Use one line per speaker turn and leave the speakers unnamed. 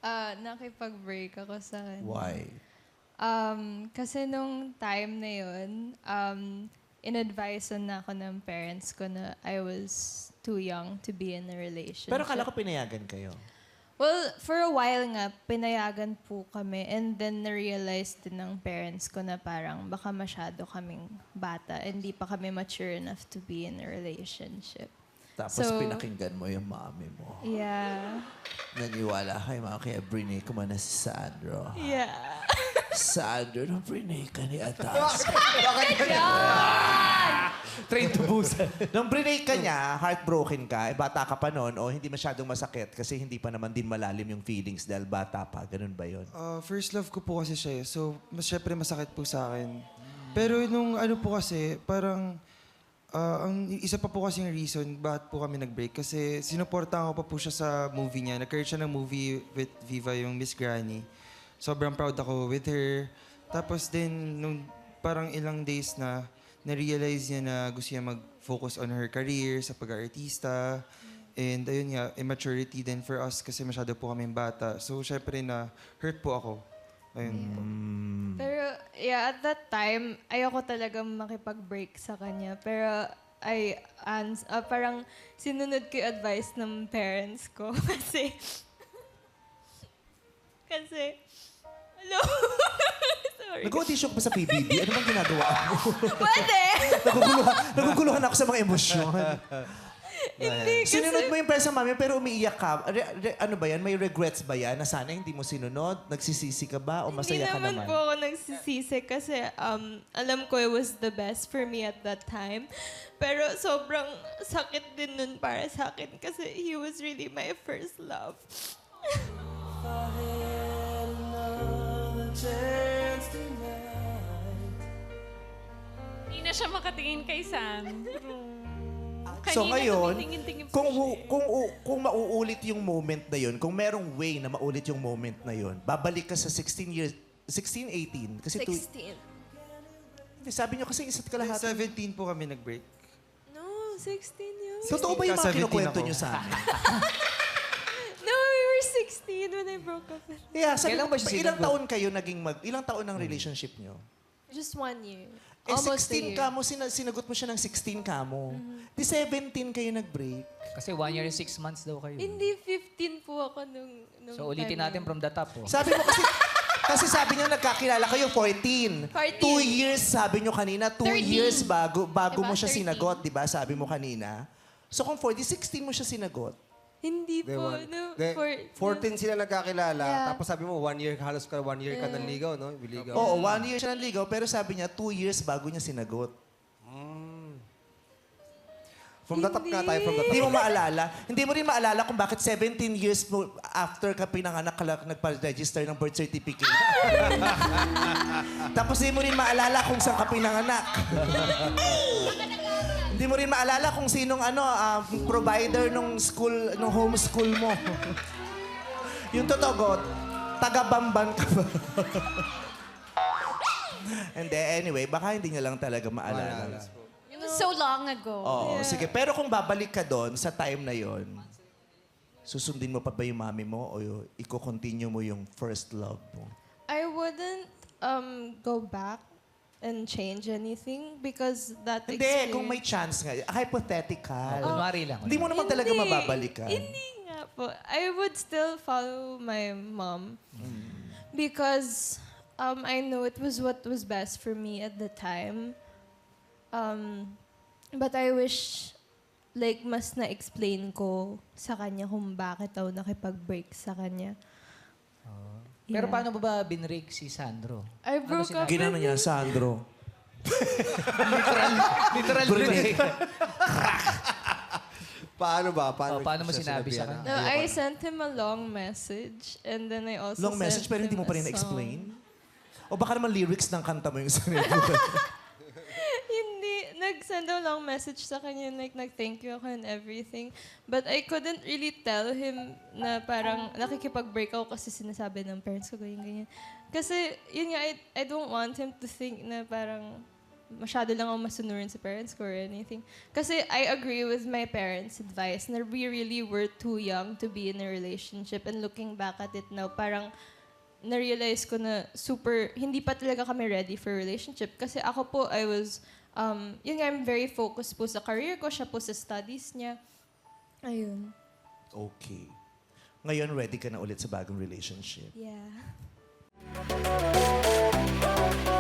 Nakipag-break ako sa kanya.
Why?
Kasi nung time na yun, in-advisean na ako ng parents ko na I was too young to be in a relationship.
Pero kala ko pinayagan kayo.
Well, for a while nga, pinayagan po kami. And then, na-realize din ng parents ko na parang baka masyado kaming bata. Hindi pa kami mature enough to be in a relationship.
Tapos
So-
pinakinggan mo yung mami mo.
Yeah.
Naniwala kay mama, kaya brinay ko man na si Sandro.
Yeah.
Sandro, nang brinay ka ni Atas.
Train to Busan.
Nung brinay ka niya, heartbroken ka, bata ka pa noon, o hindi masyadong masakit kasi hindi pa naman din malalim yung feelings dahil bata pa. Ganun ba yun?
First love ko po kasi siya. So, syempre masakit po sa akin. Pero nung ano po kasi, parang ang isa pa po kasing reason bakit po kami nag-break. Kasi sinuportahan ko pa po siya sa movie niya. Nag-create siya ng movie with Viva, yung Miss Granny. Sobrang proud ako with her. Tapos din, nung parang ilang days na-realize niya na gusto niya mag-focus on her career sa pag-artista. And ayun nga, immaturity din for us kasi masyado po kaming bata. So, syempre hurt po ako. Ayun po.
Pero, yeah, at that time, ayoko talaga makipag-break sa kanya. Pero, parang sinunod ko yung advice ng parents ko. Hello? Sorry.
Nag-audition ka pa sa PBB? Ano bang ginagawa mo?
Pwede!
Naguguluhan ako sa mga emosyon.
Hindi, kasi...
Sinunod mo yung pesa mami pero umiiyak ka. Ano ba yan? May regrets ba yan? Na sana hindi mo sinunod? Nagsisisi ka ba? O masaya ka
Hindi
naman?
naman po ako nagsisisi kasi alam ko it was the best for me at that time. Pero sobrang sakit din nun para sa akin kasi he was really my first love.
Hindi na siya makatingin kay Sandro.
So
Kanina
ngayon,
tumitingin-tingin pa
kung,
siya eh.
kung mauulit yung moment na yun, kung merong way na maulit yung moment na yun, babalik ka sa 16 years, 16, 18? Kasi
16.
Hindi, sabi nyo kasi isa't kalahati.
17 po kami nag-break.
No, 16 yun.
Totoo ba yung mga
17
kinukwento
ako.
nyo sa amin?
No, we were 16 when I broke up with him.
Yeah, sabi
Kailan
ko,
ba siya
ilang
sinagot?
taon kayo naging ilang taon ng relationship nyo?
Just 1 year.
Eh,
Almost
16
a year.
ka mo, sinagot mo siya ng 16 ka mo. Di 17 kayo nag-break.
Kasi 1 year and 6 months daw kayo.
Hindi, 15 po ako nung
So ulitin
time
natin
na
from the top. Oh.
Sabi mo kasi sabi niyo nagkakilala kayo 14.
14.
2 years, sabi niyo kanina, 2
13.
years bago
Diba?
mo siya
13.
sinagot, di ba? Sabi mo kanina. So kung 40, 16 mo siya sinagot.
Hindi po. No,
14 sila nagkakilala,
Yeah.
tapos sabi mo, 1 year, halos 1 year ka nanligaw, no? Biligaw.
Oo, 1 year siya nanligaw, pero sabi niya 2 years bago niya sinagot.
From the top nga tayo, from the top.
Hindi mo maalala. Hindi mo rin maalala kung bakit 17 years mo after ka pinanganak ka lang nagpa-register ng birth certificate. Tapos hindi mo rin maalala kung saan ka pinanganak. Hindi mo rin maalala kung sinong provider nung school, nung homeschool mo. Yung totoo, taga-Bamban ka ba? And then, anyway, baka hindi niya lang talaga maalala.
It was so long ago.
Oo, sige. Pero kung babalik ka doon sa time na yon, susundin mo pa ba yung mami mo o i-continue mo yung first love mo?
I wouldn't go back and change anything because that
Hindi, kung may chance nga. Hypothetical.
Kunwari lang.
Hindi mo naman talaga mababalikan.
Hindi nga po. I would still follow my mom because I know it was what was best for me at the time. But I wish like mas na-explain ko sa kanya kung bakit ako nakipag-break sa kanya.
Pero
Yeah.
paano ba binrake si Sandro?
I broke up
Ginano
with
niya, Sandro.
Literal binrake.
Paano ba?
Paano mo
siya
sinabi sa
sinabihan
kanya?
No, I sent him a long message and then I also
Long message,
sent
pero hindi
him
mo pa rin
a song.
na-explain? O baka naman lyrics ng kanta mo yung sarili mo.
Hindi. Nag-send a long message sa kanya, like, nag-thank you ako and everything. But I couldn't really tell him na parang nakikipag-break ako kasi sinasabi ng parents ko, ganyan. Kasi, yun nga, I don't want him to think na parang masyado lang ako masunurin sa parents ko or anything. Kasi I agree with my parents' advice na we really were too young to be in a relationship. And looking back at it now, parang na-realize ko na hindi pa talaga kami ready for a relationship. Kasi ako po, yun nga, I'm very focused po sa career ko, siya po sa studies niya. Ayun.
Okay. Ngayon, ready ka na ulit sa bagong relationship.
Yeah.